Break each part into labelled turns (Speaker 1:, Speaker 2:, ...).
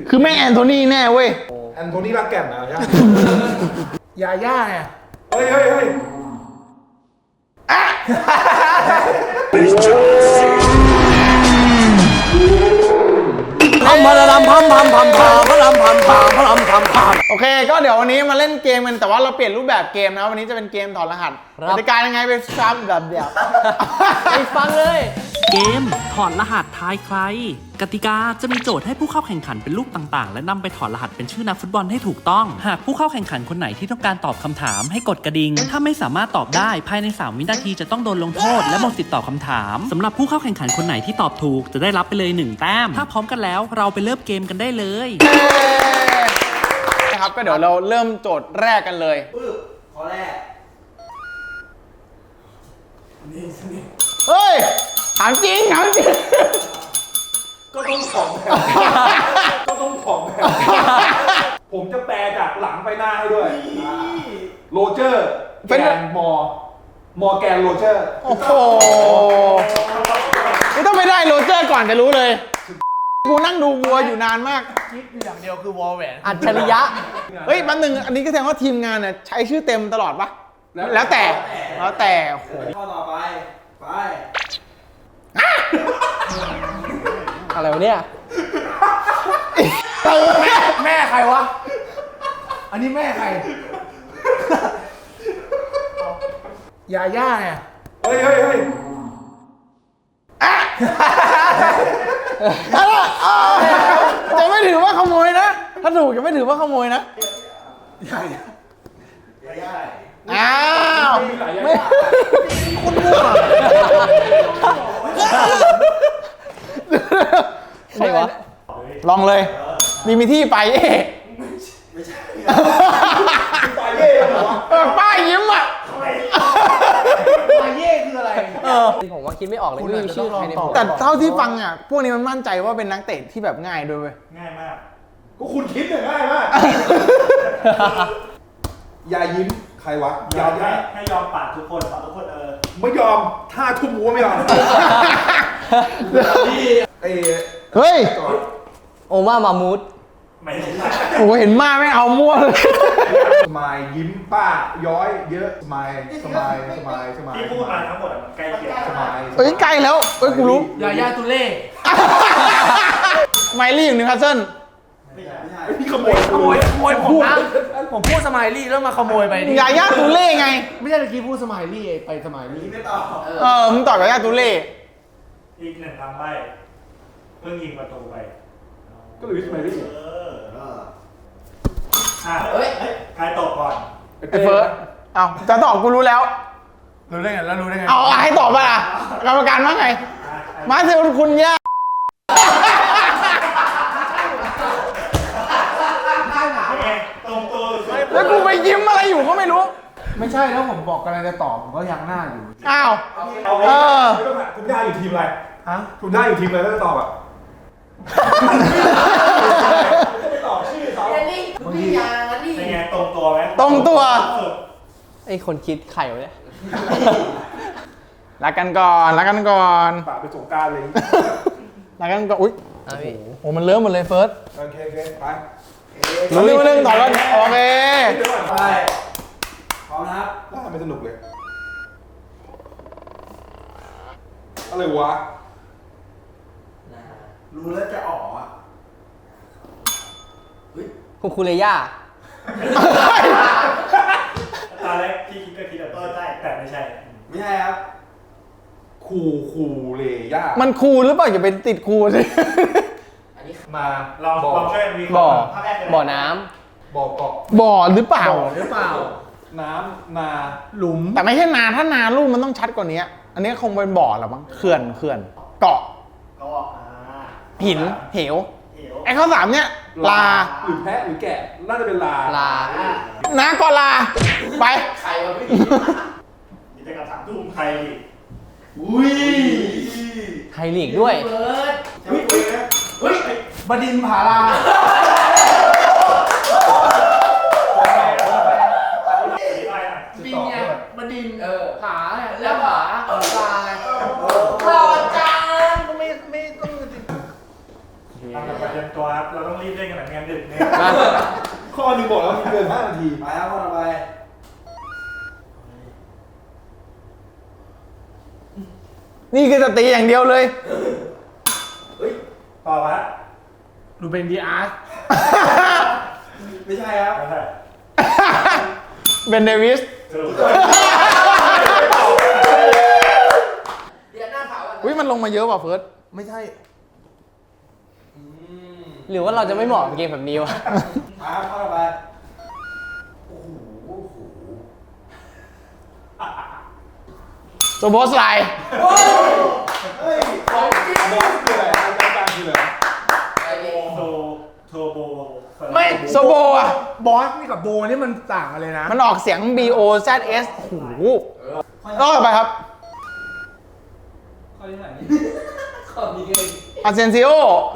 Speaker 1: คือแม่งแอนโทนีแน่เว้ย
Speaker 2: แอนโทนีรักแก่นนะ
Speaker 3: ยาย่าไง
Speaker 2: เฮ้ย
Speaker 1: โอเคก็เดี๋ยววันนี้มาเล่นเกมกันแต่ว่าเราเปลี่ยนรูปแบบเกมนะวันนี้จะเป็นเกมถอดรหัสกติกายังไงไปซ้ำแบบเดียวไปฟังเลย
Speaker 4: เกมถอดรหัสทายใครกติกาจะมีโจทย์ให้ผู้เข้าแข่งขันเป็นรูปต่างๆและนำไปถอดรหัสเป็นชื่อนักฟุตบอลให้ถูกต้องหากผู้เข้าแข่งขันคนไหนที่ต้องการตอบคำถามให้กดกระดิ่งถ้าไม่สามารถตอบได้ภายใน3 วินาทีจะต้องโดนลงโทษและหมดสิทธิ์ตอบคำถามสำหรับผู้เข้าแข่งขันคนไหนที่ตอบถูกจะได้รับไปเลย1 แต้มถ้าพร้อมกันแล้วเราไปเริ่มเกมกันได้เลย
Speaker 1: นะครับก็เดี๋ยวเราเริ่มโจทย์แรกกันเลย
Speaker 3: ข้อแรกนี่
Speaker 1: เฮ้ยถามจริง
Speaker 2: ก็ต้องของผมจะแปลจากหลังไปหน้าให้ด้วยโรเจอร์แกนมอแกนโรเจอร์
Speaker 1: โอ้โหไม่ต้องไปได้โรเจอร์ก่อนจะรู้เลยกูนั่งดูวัวอยู่นานมาก
Speaker 3: คิดอย่างเดียวคือวอลแหวน
Speaker 1: อัจฉริยะเฮ้ยมันหนึ่งอันนี้ก็แสดงว่าทีมงานเนี่ยใช้ชื่อเต็มตลอดปะแล้วแต่โอ้โห
Speaker 3: ข้อต่อไป
Speaker 1: อะไรวะเนี่ย
Speaker 3: แม่ใครวะอันนี้แม่ใครยาย่าไง
Speaker 2: เฮ้ย
Speaker 1: จะไม่ถือว่าขโมยนะถ้าถูกจะไม่ถือว่าขโมยนะอ้าวไม่คุณมั่วใครวะลองเลยมีที่ไปไม่ใช่ไปเย่เหรอป้ายยิ้มอ่ะ
Speaker 3: ไปเย่คืออะไร
Speaker 5: ผมว่าคิดไม่ออกเลยไม่มีชื่อใครในหัว
Speaker 1: แต่เท่าที่ฟังอ่ะพวกนี้มันมั่นใจว่าเป็นนักเตะที่แบบง่ายด้วยเว้ย
Speaker 2: ง่ายมากก็คุณคิดเนี่ยง่ายมากยายิ้มใครวะ
Speaker 6: ยอมให้ยอมปาดทุกคน
Speaker 2: ไม่ยอมถ้าทุ่มหัวไม่ยอม
Speaker 1: เฮ้ย
Speaker 5: โอมามูด
Speaker 6: ไม่ใช่
Speaker 1: โอ้เห็นมาไม่เอามั่วเลย
Speaker 2: สมายยิ้มป้าย้อยเยอะสมาย
Speaker 6: ที่พูดมาทั้งหมดมันใกล้เคียง
Speaker 2: สมาย
Speaker 1: เฮ้ยใกล้แล้วเฮ้ยกูรู้
Speaker 3: ยาย่าตุเล่
Speaker 1: ไมลี่อยู่นิวคาสเซิล
Speaker 2: ไม่ใช่พี่ขโมย
Speaker 3: ผมนะผมพูดสมายลี่แล้วมาขโมยไป
Speaker 1: ยาย่าตุเล่ไง
Speaker 3: ไม่ใช่เมื่อกี้พูดสมายลี่ไปสมายลี่
Speaker 2: ไม่ต
Speaker 1: อบมึงตอบยาย่าตุเล่
Speaker 6: อีก1 คำใบ้เพิ่งยิงประตูไป
Speaker 2: ก็หรือสมัยนี้
Speaker 6: ใครตอบก่อน
Speaker 1: ไอ้เฟิร์สเอาจะตอบกูรู้แล้ว
Speaker 3: รู้ได้ไง
Speaker 1: เอาให้ตอบป่ะล่ะกรรมการว่าไงมาเซลคุณย่า
Speaker 6: ตรงตัว
Speaker 1: แล้วกูไปยิ้มอะไรอยู่ก็ไม่รู้
Speaker 3: ไม่ใช่แล้วผมบอกกันอะไรจะตอบผมก็ยังหน้าอยู่
Speaker 1: อ้าว
Speaker 2: คุณย่าอยู่ทีมอะไรฮะคุณย่าอยู่ทีมอะไรแล้วจะตอบอ่ะไม่ตอบชื่อเขา
Speaker 6: เป็นไงตรงตัวไหม
Speaker 1: ตรงตัว
Speaker 5: ไอ้คนคิดไข่วะเนี่ย
Speaker 1: รักกันก่อน
Speaker 2: ปากไปสงการเลย
Speaker 1: รักกันก่อนอุ้ยโอ้มันเริ่มหมดเลยเฟิร์ส
Speaker 2: โอเคไป
Speaker 1: เรื่องต่อแล้วโอเค
Speaker 3: ไปพร้อมนะครับ
Speaker 2: น่าไม่สนุกเลยอะไรวะรู้แล้วจะออกอ่ะ
Speaker 5: คูเลย่า
Speaker 6: ตอนแรกที่คิดก็คิดแบบใช่แต่ไม่ใช่
Speaker 2: ครับคูเลย่า
Speaker 1: มันคูหรือเปล่าอย่าเป็นติดคูสิ
Speaker 2: มา
Speaker 6: ลองช่วยมี
Speaker 5: บ่อน้
Speaker 2: ำบ่อเกาะ
Speaker 1: บ่อหรือเปล่า
Speaker 2: น้ำนา
Speaker 1: หลุมแต่ไม่ใช่นาถ้านาลูกมันต้องชัดกว่านี้อันนี้คงเป็นบ่อหรอมั้งเขื่อนเกาะหินเหวไอ้ข้อ3เนี่ยลา
Speaker 2: หรือแพะหรือแกะน่าจะเป็นลา
Speaker 1: นาก็ลาไป
Speaker 6: ใครวะพี่มีแต่กับ3 ทุ่มไทย
Speaker 5: ไทยลีกด้วย
Speaker 3: บดินผาลาบินเนี่ยบดินผาแล้วผาลาหล่อจังไม่ต้อง
Speaker 6: ทำแบบประจำตัวครับเราต้องรีรีบเล่นกันหน่อยงานดึกเนี่ย
Speaker 5: มา
Speaker 2: ข้อหนึ่งบอกแล้วมีเกิน5 นาที
Speaker 3: ไปครับข้อต่อไป
Speaker 1: นี่คือจะตีอย่างเดียวเลย
Speaker 6: ต่อมา
Speaker 3: ดูเป็นดีอาร์
Speaker 2: ไม่ใช่ครับ
Speaker 6: ไม่ใช่
Speaker 1: เบนเดวิส
Speaker 6: ถูก
Speaker 3: เดี๋ยวหน้าขาว
Speaker 1: อุ้ยมันลงมาเยอะว่ะเฟิร์ส
Speaker 2: ไม่ใช่
Speaker 5: หรือว่าเราจะไม่เหมาะกับเกมแบบนี้วะ
Speaker 3: มาครับข้อต่อไป
Speaker 1: โซโบสไลน์
Speaker 2: เฮ้ยบอสคืออะไรรายการคืออะไร
Speaker 6: โทโบ
Speaker 3: ไม่
Speaker 1: โซโบอ่ะ
Speaker 3: บอสนี่กับโบนี่มันต่างกันเลยนะ
Speaker 1: มันออกเสียง B O Z S โอ้โหต่อไปครับ
Speaker 5: ข้อนี้เอง
Speaker 1: อาเซนซิโอ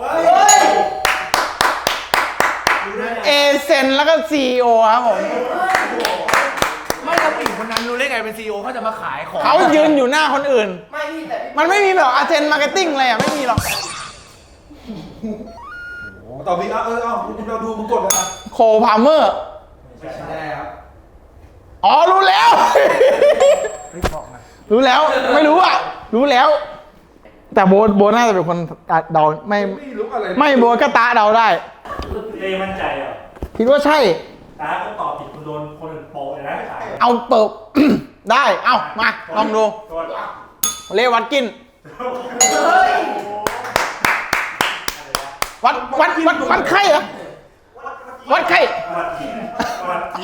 Speaker 1: เอเซนแล้วก็ CEO ครับผม
Speaker 3: ไม่เราปิ่นคนนั้นรู้ได้ไงเป็นซีอีโอเขาจะมาขายของ
Speaker 1: เขายืนอยู่หน้าคนอื่น
Speaker 3: ไม่พี่แต่
Speaker 1: มันไม่มีแบบอาเซนมาร์เก็ตติ้งอะไรอ่ะ ไม่มีหรอก
Speaker 2: ตอบดีคุณเราดูมึงกดเลยนะ
Speaker 1: โคพาเมอร์
Speaker 6: ไม่ใช่
Speaker 3: ได้ครับ
Speaker 1: อ๋อ รู้แล้ว
Speaker 3: ไม่บอกนะ
Speaker 1: รู้แล้ว ไม่รู้อ่ะ รู้แล้ว แต่โบน่าจะเป็นคนเดาไม่
Speaker 2: ไม่รู้อะไร
Speaker 1: ไม่โบก็ตาเดาได้
Speaker 6: เต้มั่นใจเหรอ
Speaker 1: คิดว่าใช่
Speaker 6: ตาก็ตอบผิดคุณโดนคนอื่นโปะเลยนะขาย
Speaker 1: เอาเปิบ ได้ เอามา ลองดู
Speaker 6: ตัว
Speaker 1: เลวัตกิน วัดไข้เหรอ วัดไข้
Speaker 6: วัดทีวัดที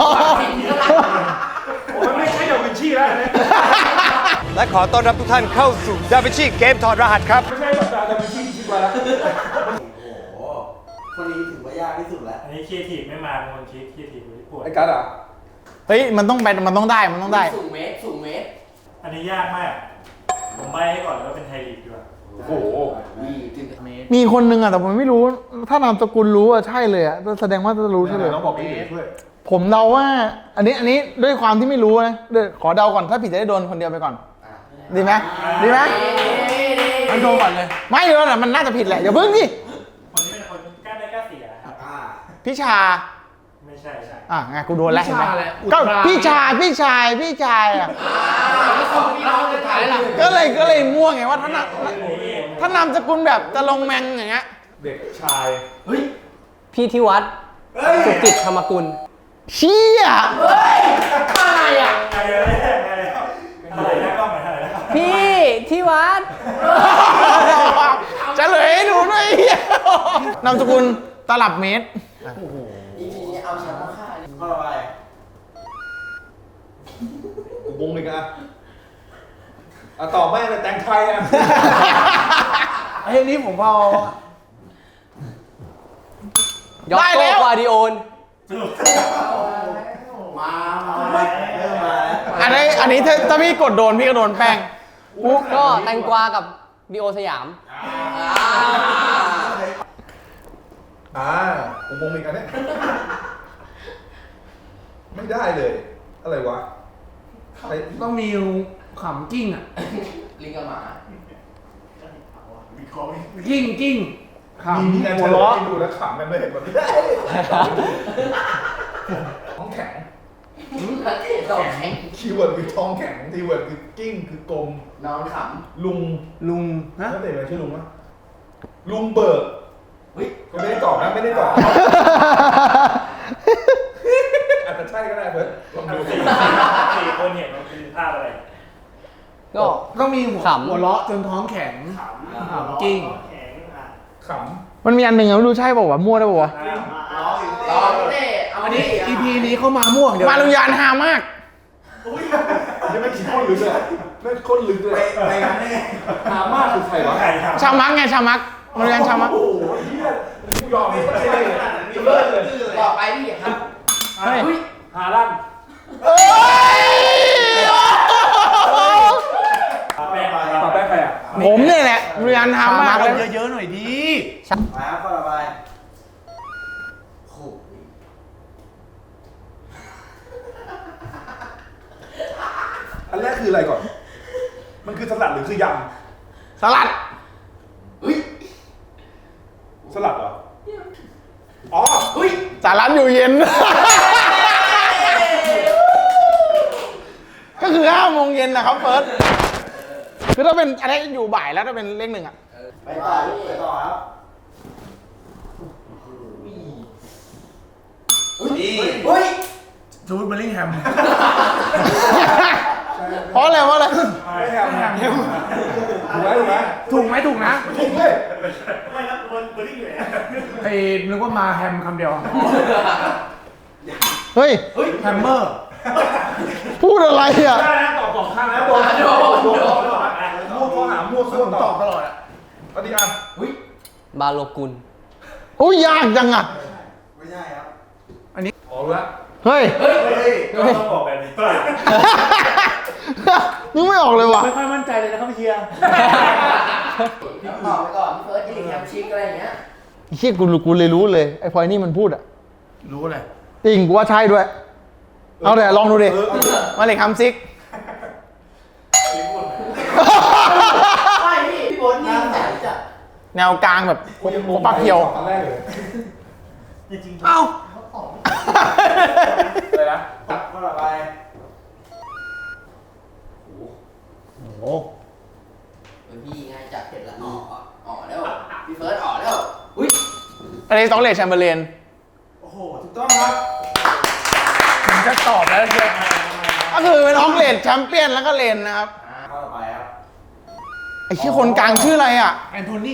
Speaker 2: มันไม่ใช่ดาวินชีแล้วเนี่ย
Speaker 7: และขอต้อนรับทุกท่านเข้าสู่ DaVinci เกมถอดรหัสครับ
Speaker 2: ไม่ใช่แบบดาวินชีคิดว่าแล้ว
Speaker 3: โอ้โหคนนี้ถือว่ายากที่สุดแล้ว
Speaker 6: อันนี้ครีเอทีฟไม่มาเป็นคนคิดครีเอทีฟคนที่ปวด
Speaker 2: ไอ้การ์ดอ่ะ
Speaker 1: เฮ้ย มันต้องไป มันต้องได้ มันต้องได้
Speaker 3: สูงเมตร
Speaker 6: อันนี้ยากมาก ผมใบให้ก่อนเลยว่าเป็นไทยลีกดีกว่า
Speaker 2: โอ้โห
Speaker 3: นี่ถึงเมตร
Speaker 1: มีคนนึงอ่ะ แต่ผมไม่รู้ ถ้านามสกุลรู้อ่ะ ใช่เลยอ่ะ แสดงว่าจะรู้ใช่เลย
Speaker 2: น้องบอกพี่ช่วย
Speaker 1: ผมเดาว่า อันนี้ด้วยความที่ไม่รู้นะเดี๋ยวขอเดาก่อน ถ้าผิดจะได้โดนคนเดียวไปก่อน ดีไหมดีไหม
Speaker 3: มันโดนก่อนเลย
Speaker 1: ไม่เดี๋ยวนะมันน่าจะผิดแหละ เดี๋ยวเพิ่งดิ
Speaker 6: คนนี้เป็นคนกล้าได้กล้าเสียครับ
Speaker 1: พี่ชา
Speaker 6: ไม่ใช่ใช่
Speaker 1: ไงกูโดนแล้วเห็นไหม
Speaker 3: พี่ชาอะไรอุต
Speaker 1: ก็
Speaker 3: รา
Speaker 1: พี่ชายอ่ะ
Speaker 3: แล้วของพี่น้องจะถ่ายหลัง
Speaker 1: ก็เลยมั่วไงว่าถ้านามสกุลแบบจะลงแมงอย่างเงี้ย
Speaker 2: เด็กชาย
Speaker 5: พี่ที่วัดสุกิจธรรมกุล
Speaker 1: เชี่ย
Speaker 3: อะไรอ่ะ
Speaker 6: อะไรอะไรนะกล้องไหนอะไรนะ
Speaker 5: พี่ที่วัด
Speaker 1: จะเลยให้ดูด้วยเหี้ยนามสกุลตลับเมตร
Speaker 3: อีพีนี้เอาแชมป์มาฆ่าข้อต่อไป
Speaker 2: กูวงเลยกันตอบแม่เลยแตงไทยอ่ะ
Speaker 3: ไอ้นี่ผมเอา
Speaker 5: ยอก
Speaker 1: ได้
Speaker 5: โก
Speaker 1: แล้ว
Speaker 5: กวาดิโอน
Speaker 3: มาเริ่มมา
Speaker 1: อันนี้ถ้าพี่กดโดนพี่ก็โดนแป้ง
Speaker 5: ก็แตงกวากับดิโอสยาม
Speaker 2: กูวงเลยกันเนี่ยไม่ได้เลย อะไรวะอะไร
Speaker 3: ต้องมีขำกิ้งอ่ะ
Speaker 5: ลิงกับหมา
Speaker 3: กิ้งขำ
Speaker 2: มีงาน
Speaker 3: หั
Speaker 2: เฉ
Speaker 3: ว
Speaker 2: ล
Speaker 3: เราะ
Speaker 2: ยดูแล้วขำกันเลยแบบนี้ท้องแข็ง คีย์เวิร์ดคือท้องแข็งคีย์เวิร์ดคือกิ้งคือกลม
Speaker 3: นอนข
Speaker 2: ลุง
Speaker 3: ลุง
Speaker 2: นักเตะอะไรชื่อลุงวะลุงเบิร์กก็ไม่ได้ตอบนะไม่ได้ตอบอาจจะใช่ก็ได้เพื่อนลองดู
Speaker 6: สี่คนเนี่ยมันคือภาพอะไร
Speaker 5: ก็
Speaker 3: ต้องมีหัว
Speaker 5: ขำ
Speaker 3: หัวเราะจนท้องแข็งขำกิ้ง
Speaker 6: แข็งอ่ะ
Speaker 2: ข
Speaker 1: มันมีอันหนึ่งอะไม่รู้ใช่เปล่าวะมั่วได้เปล่าวะ
Speaker 3: รอเต้อันนี้ EP นี้เข้ามาม่วงเดี๋ยว
Speaker 1: มาลุยานฮามาก
Speaker 2: ำยังไม่คิดข้นลึกเลยไม่ข้นลึกเลย
Speaker 3: ไปกันแน่
Speaker 2: หามากคือใครวะ
Speaker 6: ไข่ครับ
Speaker 1: ชามักไงชามักมาลุยานชามัก
Speaker 2: โอ้โหเฮียกูยอมไม่ใช่เลย
Speaker 3: ต่อไปพี่ครับ
Speaker 1: เฮ้ย
Speaker 6: ฮาลัน
Speaker 1: เอ้ย
Speaker 6: แป้ง
Speaker 2: ตอบได้ใครอ่ะ
Speaker 1: ผมเนี่ยแหละมาลุยานฮามากเลย
Speaker 3: เยอะๆหน่อยดี
Speaker 8: มาข้อต่อไป
Speaker 2: อันแรกคืออะไรก่อน มันคือสลัดหรือคือย
Speaker 1: สลัด
Speaker 2: ำสลัดเหรอ
Speaker 1: สารัตอยู่เย็น ก็คือ5 โมงเย็นนะครับเฟิร์สคือถ้าเป็นอะไรอยู่บ่ายแล้วถ้าเป็นเลข 1อ่ะ
Speaker 3: ไปต่อครับอุ้ยจูดเบลลิงแฮม
Speaker 1: เพราะอะไรเพราะอะไร
Speaker 2: ไม่แฮมถูกไหม
Speaker 3: ถูกนะ
Speaker 2: ถูกเลย
Speaker 6: ไม่ครับเบอร์ดิ้งอยู่ไหน
Speaker 3: ไอ้นึกว่ามาแฮมคำเดียว
Speaker 1: เฮ้ย
Speaker 3: แฮมเมอร์
Speaker 1: พูดอะไรอ่ะ
Speaker 2: ได้นะตอบ2 ครั้งแล้วโดนมั่วข้อหามั่วข้อ
Speaker 3: ตอบตลอดอ่ะ
Speaker 2: อันนี้อ่ะ
Speaker 5: บาโลกุล
Speaker 1: โอ้ยยากจังอ่ะ
Speaker 3: ไม่ใช่ครับ
Speaker 2: อ๋อรู้แล้ว
Speaker 1: เฮ้ย
Speaker 6: ก็ต้องบอกแบบนี้
Speaker 1: นึกไม่ออกเลยว่ะ
Speaker 3: ไม่ค่อยมั่นใจเลยนะครับพี่เชียร์
Speaker 8: ตอบไปก่อนพี่เฟิร์สกินแฮมชิคอะไรอย่างเงี้ย
Speaker 1: เชี่ยกูเลยรู้เลยไอ้พลอยนี่มันพูดอ่ะ
Speaker 3: รู้เลย
Speaker 1: จริงกูว่าใช่ด้วย เอาเดี๋ยวลองดูดิ มาเลยคำซิก
Speaker 8: ไม่พี่โบ๊ทนี่แต่จะ
Speaker 1: แนวกลางแบบปักเพียว
Speaker 2: ครั้งแรกเลย
Speaker 6: จริงๆ
Speaker 1: เอ้า
Speaker 2: เลยนะ
Speaker 3: ข้อต่อไป
Speaker 8: พี่ง่ายจัดเสร็จแล้วอ๋อแล้วพี่เฟิร์สอ๋อแล้วอุ้ย
Speaker 1: อันนี้ต้องเลดแชมเบอร์เลน
Speaker 3: โอ้โห ถูกต้องครับผมจะตอบแล้วเชียร์
Speaker 1: ก็คือเป็นออกเลดแชมเปี้ยนแล้วก็เลนนะครับ
Speaker 3: ข้อต่อไปครับ
Speaker 1: ไอ้ชื่อคนกลางชื่ออะไรอ่ะ
Speaker 3: แอนโทนี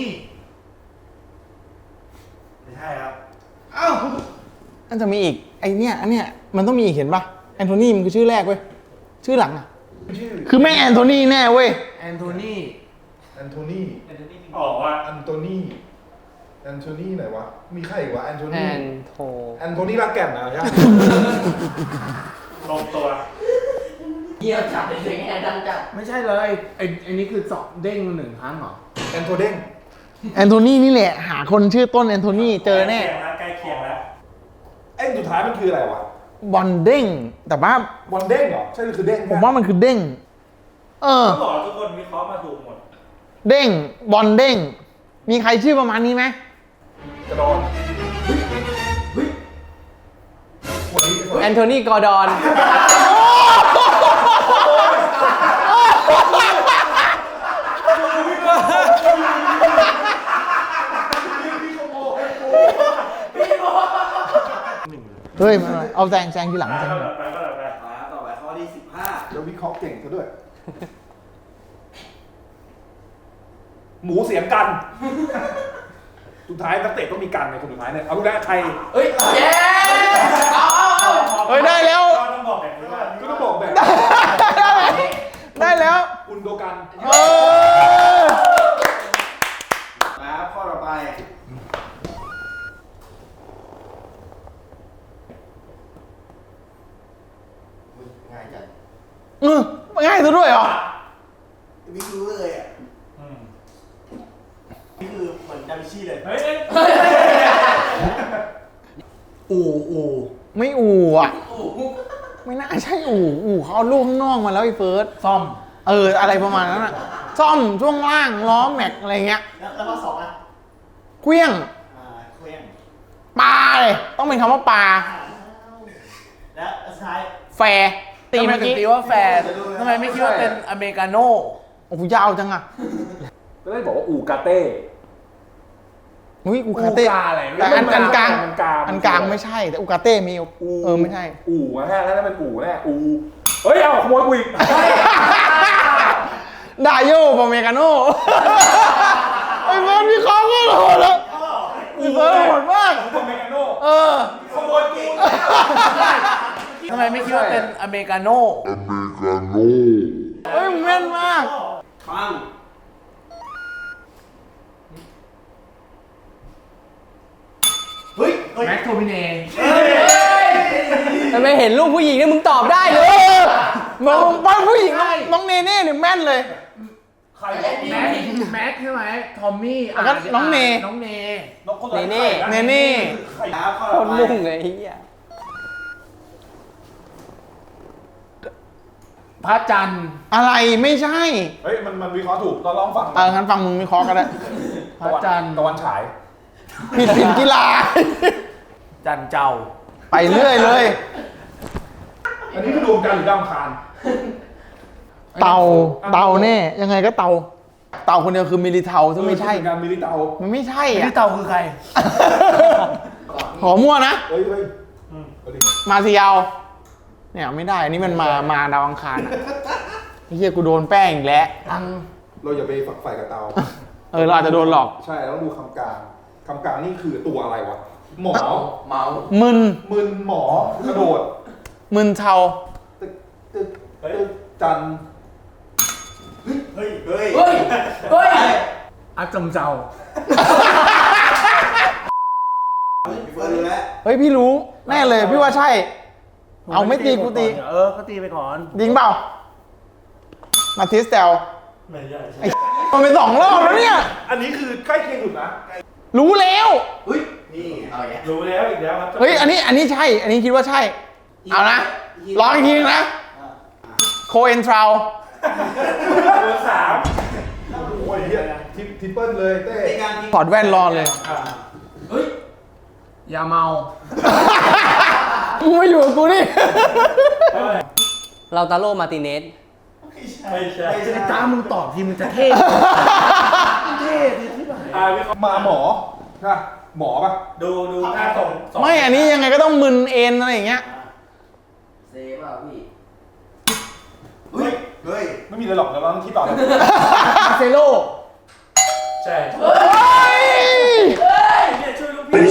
Speaker 3: ไม่ใช่ครับ
Speaker 1: อันจะมีอีก ไอเนี้ยอันเนี้ยมันต้องมีอีกเห็นปะแอนโทนีมันคือชื่อแรกเว้ย ชื่อหลังอ่ะ คือแม่งแอนโทนีแน่เว้ย
Speaker 3: แอนโทนี
Speaker 2: แอนโทนี
Speaker 6: ออกว่า
Speaker 2: แอนโทนีแอนโทนีไหนวะ มีใครอีกวะแอนโท
Speaker 5: แอ
Speaker 2: นี
Speaker 5: นโท
Speaker 2: แอนโทนีลากแก่นนะใช่ไหม
Speaker 6: ลงตัว
Speaker 8: เยี่ยมจัดเลยเสียงแอนดังจัด
Speaker 3: ไม่ใช่เลยไอ้นี่คือสอบเด้ง1 ครั้งเหรอ
Speaker 2: แอนโทเด้ง
Speaker 1: แอนโทนีนี่แหละ หาคนชื่อต้นแอนโทนีเจอแน่
Speaker 6: ใกล้เคียงแล้ว
Speaker 2: ไอ้สุดท้ายมันคืออะไรวะ
Speaker 1: บอลเด้ง แต่ว่า
Speaker 2: บอลเด้งเหรอ ใช่หรือคือเด้ง
Speaker 1: ผมว่ามันคือเด้ง เออ
Speaker 6: ต้องบอกทุกคนวิเคราะห์มาถูกหมด
Speaker 1: เด้ง บอลเด้ง มีใครชื่อประมาณนี้ไหม
Speaker 2: กระดอน
Speaker 5: แอนโทนีกอร์ดอน
Speaker 1: เฮ้ยมาเอาแซงทีหลังแซงทีหลัง
Speaker 3: ต่อไปข้อที่
Speaker 2: แล้ววิเคราะห์เก่งซะด้วย หมูเสียงกัน สุดท้ายนักเตะต้องมีกันในคนสุดท้ายเนี่ย เอาดูแลใคร
Speaker 8: เฮ้ยเย้เอา
Speaker 1: เฮ้ยได้แล้ว
Speaker 6: ก็ต้องบอกแบบนี้ว่า
Speaker 2: ก็ต้องบอกแบบ
Speaker 1: ได้แล้ว
Speaker 2: อุนโดกัน
Speaker 1: เออ
Speaker 3: 10ครับข้อต่อไป
Speaker 8: ง่ายจัด
Speaker 1: ง่ายซะด้วยเหรอ
Speaker 3: วิรู้เลยอ่ะ
Speaker 6: นี่คือเหมือนดาวินชีเลยเฮ้ย
Speaker 3: อู่
Speaker 1: ไม่อู่อ่ะ ไม่น่าใช่อู่เขาเอาลูกข้างนอกมาแล้วไอ้เฟิร์ส
Speaker 3: ซ่อม
Speaker 1: อะไรประมาณนั้นอ่ะ ซ่อมช่วงล่างล้อแม็กอะไรเงี้ย
Speaker 8: แล้วข้อ2อ่ะ
Speaker 1: เคลี้ยง
Speaker 8: เคว้ง
Speaker 1: ปลาเลยต้องเป็นคำว่าปลา
Speaker 8: และสุดท้าย
Speaker 1: แฟร์ตีเมื่อกี้
Speaker 3: ตีว่าแฟนทำไมไม่คิดว่าเป็นอเมริกาโน่
Speaker 1: โอ้โหยาวจังอ่ะ
Speaker 2: ก็ได้บอกว่าอูกาเต้
Speaker 1: อุ้ยอูคาเต้
Speaker 3: อูกาอะไร
Speaker 1: แต่อันกลาง
Speaker 2: มันกลาง
Speaker 1: อันกลางไม่ใช่ แต่อูคาเต้มีไม่ใช่
Speaker 2: อู่นะฮะแล้วนั่นเป็นอู่แน่อู่เฮ้ย เอาขโมยกูอีก
Speaker 1: ดาโยปอเมกาโน่ไอ้เฟิร์สมีข้อก็โหดแล้วไอ้เฟิร์สโหดมาก
Speaker 2: ผมเมกาโน่
Speaker 6: ขโมยกู
Speaker 3: ทำไมไม่คิดว่าเป็นอเมริกาโน่
Speaker 1: เฮ้ยมึงแม่นมาก
Speaker 3: ปังเฮ้ยแม็กโทมิเน่
Speaker 5: ทำไมเห็นรูปผู้หญิงเนี่ยมึงตอบได้เลย
Speaker 1: มองบ้านผู้หญิงน้องเนเน่เนี่ยแม่นเลย
Speaker 6: ใคร
Speaker 3: แม็กใช่ไหมทอมมี่
Speaker 1: แล้วก็น้องเน
Speaker 3: น้องเน
Speaker 6: นกคน
Speaker 1: เนเน่
Speaker 3: ครับข้อ
Speaker 5: โค
Speaker 3: ต่อ
Speaker 5: ตร
Speaker 3: ไป
Speaker 5: มุ่งเลยไอ้เหี้ย
Speaker 3: พระจันทร์
Speaker 1: อะไรไม่ใช่
Speaker 2: เฮ้ย มันวิเคราะห์ถูกเราลองฟัง
Speaker 1: งั้นฟังมึงวิเคราะห์ก็ได้
Speaker 3: พระจันทร์
Speaker 2: ตะวันฉาย
Speaker 1: ผิดกีฬา
Speaker 3: จันเจ้า
Speaker 1: ไปเรื่อยเลย
Speaker 2: อันนี้คือดวงจันทร์หรือดาวอังคาร
Speaker 1: เต่าแน่ยังไงก็เต่าคนเดียวคือมิลิเทาซึ่งไม่ใช่
Speaker 2: งานมิลิเตา
Speaker 1: มันไม่ใช่
Speaker 3: พี่
Speaker 1: อ่ะ
Speaker 3: เต่าคือใคร
Speaker 1: ขอมั่วนะ
Speaker 2: เฮ้ยเอาดิ
Speaker 1: มาซิยาวเนี่ยไม่ได้อันนี้มันมาดาวอังคารอ่ะไอ้เฮียกูโดนแป้งอีกแล้ว
Speaker 2: เราอย่าไปฝักใฝ่กับเตา
Speaker 1: เราอาจจะโดนหลอก
Speaker 2: ใช่แล้วดูคำกลางคำกลางนี่คือตัวอะไรวะ หมอ
Speaker 8: เมา
Speaker 1: มึน
Speaker 2: มึนหมอกระโดด
Speaker 1: มึนเทา
Speaker 2: ตึกตึกตึกจันทร์
Speaker 6: เฮ้ย เฮ้ย
Speaker 8: เฮ้ย เฮ้ย
Speaker 3: อัดจำเจ้า
Speaker 1: เฮ้ยพี่รู้แน่เลยพี่ว่าใช่ เอาไม่ตีกูตี
Speaker 3: ก็ตีไปก่อน
Speaker 1: จริงเปล่ามาทิสเตล
Speaker 6: ไม่ใช่
Speaker 1: มันเป็น2 รอบแล้วเนี่ย
Speaker 2: อันนี้คือใกล้เคียงสุดนะ
Speaker 1: รู้แล้ว
Speaker 8: เฮ้ย นี่เอาอย่างเงี้ย
Speaker 6: รู้แล้วอีกแล้วครับ
Speaker 1: เฮ้ยอันนี้ใช่ อันนี้คิดว่าใช่ เอานะลองอีกทีนึงนะโคเอนทราว
Speaker 6: ตัวสาม
Speaker 2: โอ้ยเหี้ยทิปเปิลเลยเต้
Speaker 1: ถอดแว่นรอเลย
Speaker 8: เฮ้ย
Speaker 3: อย่าเมา
Speaker 1: มึงมาอยู่กับกูนี่
Speaker 5: เราตาโลมาร์ติเนส
Speaker 6: ไม่ใช่
Speaker 3: ไอ้จ้ามึงตอบทีมึงจะเท่เท่ที่ไหน
Speaker 6: วิเคราะห์
Speaker 2: มาหมอนะหมอปะ
Speaker 6: ดูหน้าส่ง
Speaker 1: ไม่อันนี้ยังไงก็ต้องมึนเอ็นอะไรอย่างเงี้ย
Speaker 8: เซฟอ่ะพี่
Speaker 2: เฮ้ย เฮ้ย ไม่มีอะไรหรอกเดี๋ยวเราต้องคิดต่อนะ
Speaker 3: มาเซโล
Speaker 6: ใช่
Speaker 1: เฮ้ย
Speaker 6: เนี่ยช่วยลูกพี่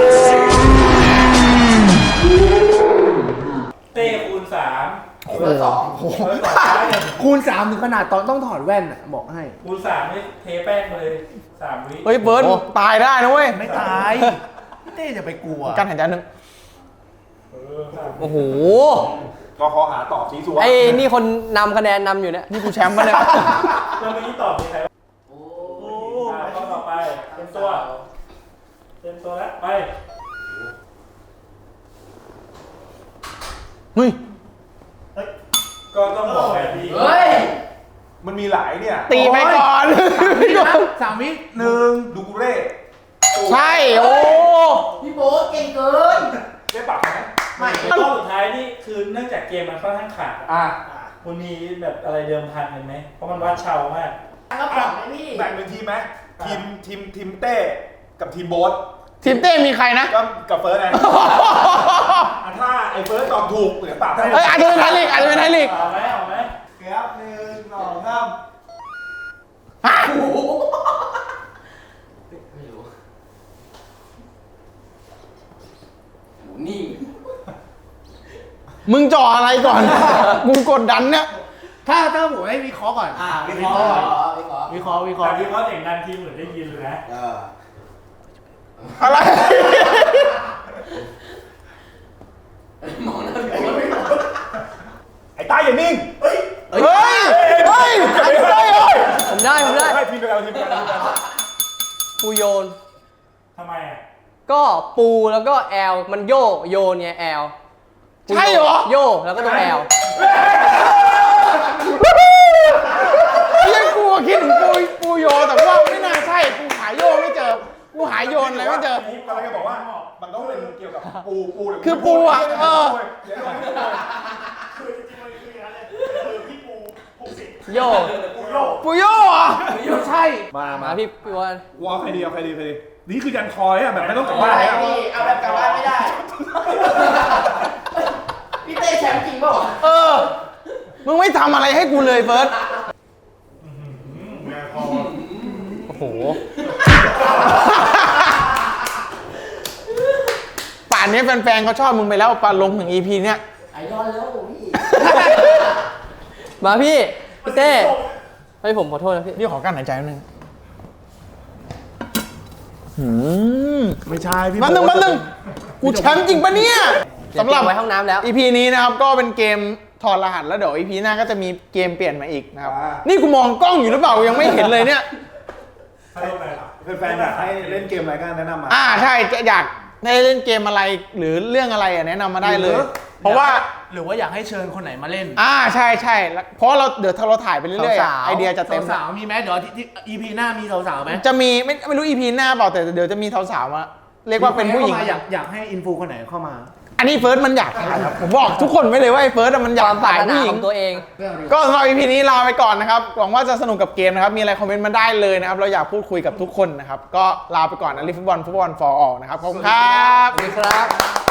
Speaker 6: เต้คูณ3
Speaker 8: เบอร์สอง
Speaker 3: คูณ 3 ถึงขนาดตอนต้องถอดแว่นอ่ะ บอกให้
Speaker 6: คูณ3นี่เทแป้งมาเลย3 วิ
Speaker 1: เฮ้ยเบิร์ดตายได้นะเว้ย
Speaker 3: ไม่ตายพี่เต้อย่าไปกลัว
Speaker 1: การหายใจหนึ่ง
Speaker 5: โอ้โห
Speaker 2: ก็ขอหาตอบชี้สัว
Speaker 5: ไอ้นี่คนนำคะแนนนำอยู่เนี่ย
Speaker 1: นี่กูแชมป์มาเนี่ย
Speaker 6: แล้วเมื่อกี้ตอบมีใคร
Speaker 8: โอ้
Speaker 6: ข้อต่อไปเต็มตัวแล้วไป
Speaker 1: เฮ้ย
Speaker 6: ก็ต้องบอกแบบนี้
Speaker 8: เฮ้ย
Speaker 2: มันมีหลายเนี่ย
Speaker 1: ตีไปก่อน
Speaker 3: 3 วิหนึ่ง
Speaker 2: ดูกูเร่
Speaker 1: ใช่ โอ้
Speaker 8: พี่โบ๊ทเก่งเกิน
Speaker 2: ได้ปรับไหม
Speaker 8: ไม่
Speaker 6: รอบสุดท้ายนี่คือเนื่องจากเกมมันค่อนข้างขาด
Speaker 2: อ่ะ
Speaker 6: คุณมีแบบอะไรเดิมพันกันไหมเพราะมันวัดเชามาก
Speaker 8: ก็ปรับไหมพี่
Speaker 2: แบ่งเป็นทีมไหมทีมเต้กับทีมโบ๊ท
Speaker 1: ทีมเต้มีใครนะ
Speaker 2: ก็กับเฟิร์สไงอ่ะถ้าไอ้เฟิร์สตอบถูกเหลือปรับให้
Speaker 1: เฮ้ยอาจจะเป็นไทยลีกอาจจะเป็นไทยลีก
Speaker 6: เอาไหมเอาไหม
Speaker 2: ครับ1 2 3
Speaker 1: ฮะ
Speaker 8: ไม่รู้โหนิ่ง
Speaker 1: มึงจ่ออะไรก่อน มึงกดดันเนี่ย
Speaker 3: ถ้าผมให้วิเคราะห์ก่อน
Speaker 8: วิเคราะห์ก่อนวิเคราะห์
Speaker 3: วิเคราะห์
Speaker 6: แต่วิเคราะห์เสียงดังทีมเหมือนได้ยินเลยนะ
Speaker 1: อะไร
Speaker 8: มองหน้าพี่โบ๊ทไม่ตอบ
Speaker 2: ไอ้ต้าอย่านิ่ง
Speaker 1: เฮ้ย เฮ้ย เฮ้ย
Speaker 5: ผมได้
Speaker 2: ให้ทีมเดียวกันทีมเดียวกัน
Speaker 5: ปูโยน
Speaker 6: ทำไมอ่ะ
Speaker 5: ก็ปูแล้วก็แอล มันโยนไงแอล
Speaker 1: ใช่เหรอ
Speaker 5: โยแล้วก็ต้องแอล
Speaker 1: เรียกกูคิดถึงปูโยแต่ว่าไม่น่าใช่ กูหาโยไม่เจอ กูหาโยนอะไรไม่เจอ
Speaker 2: กำลังจะบอกว่า มันต้องเป็นเกี่ยวกับปูหรื
Speaker 1: คือปูอ่ะเออ
Speaker 2: เดี๋ยวเราไม่ได้
Speaker 6: คือจริงๆมันคืออย่างนั้นเลยคือพี่ปู60
Speaker 5: โย
Speaker 1: ปูโยอ่ะ
Speaker 3: ไม่ใช่
Speaker 2: มา
Speaker 5: มาพี่วอน
Speaker 2: วอลใครดีเอาใครดีนี่คือยันคอยอ่ะแบบไม่ต้องกลับบ้านแล้ว
Speaker 8: พี่เอาแบบกลับบ้านไม่ได้ พี่เต้แชมป์จริงเปล่าวะ
Speaker 1: เออ มึงไม่ทำอะไรให้กูเลยเฟิร์ส โอ้โห ป่านนี้แฟนๆเขาชอบมึงไปแล้วป่านลงถึง EP เนี้ย
Speaker 8: ไอดอลแล้วพี่
Speaker 5: มาพี่เต้ให้ผมขอโทษนะพี่
Speaker 1: พี่ขอกั้นหายใจนิดนึง
Speaker 3: ไม่ใช่พี่
Speaker 1: มันนึงกูแชมป์จริงปะเนี่ยสำหรับ
Speaker 5: ไว้ห้องน้ำแล้ว
Speaker 1: EP นี้นะครับก็เป็นเกมถอดรหัสแล้วเดี๋ยว EP หน้าก็จะมีเกมเปลี่ยนมาอีกนะครับ นี่กูมองกล้องอยู่หรือเปล่ายังไม่เห็นเลยเนี่ย
Speaker 2: แฟนๆอยากให้เล่นเกมอะไรก็แนะนำมา
Speaker 1: ใช่จะอยากให้เล่นเกมอะไรหรือเรื่องอะไรแนะนำมาได้เลย เพราะว่า
Speaker 3: หรือว่าอยากให้เชิญคนไหนมาเล่น
Speaker 1: ใช่แล้วเพราะเราเดี๋ยวเราถ่ายไปเรื่อยๆไอเดียจะเต็ม
Speaker 3: สาวๆมีไหมเดี๋ยวที่ EP หน้ามีสาวๆไหม
Speaker 1: จะมีไม่รู้ EP หน้าเปล่าแต่เดี๋ยวจะมีสาวๆมาเรียกว่าเป็นผู้หญิง
Speaker 3: อยากให้อินฟูคนไหนเข้ามา
Speaker 1: อันนี้เฟิร์สมันอยากถ่ายครับผมบอกทุกคนไว้เลยว่าไอ้เฟิร์สมันอยากถ่ายผู้หญิ
Speaker 5: ข
Speaker 1: ง
Speaker 5: องตัวเอง
Speaker 1: ก็สำหรับ EP นี้ลาไปก่อนนะครับหวังว่าจะสนุกกับเกมนะครับมีอะไรคอมเมนต์มาได้เลยนะครับเราอยากพูดคุยกับทุกคนนะครับก็ลาไปก่อนนะลิฟุตบอลfor all นะครับขอบคุณครับ
Speaker 5: สวัสดีครับ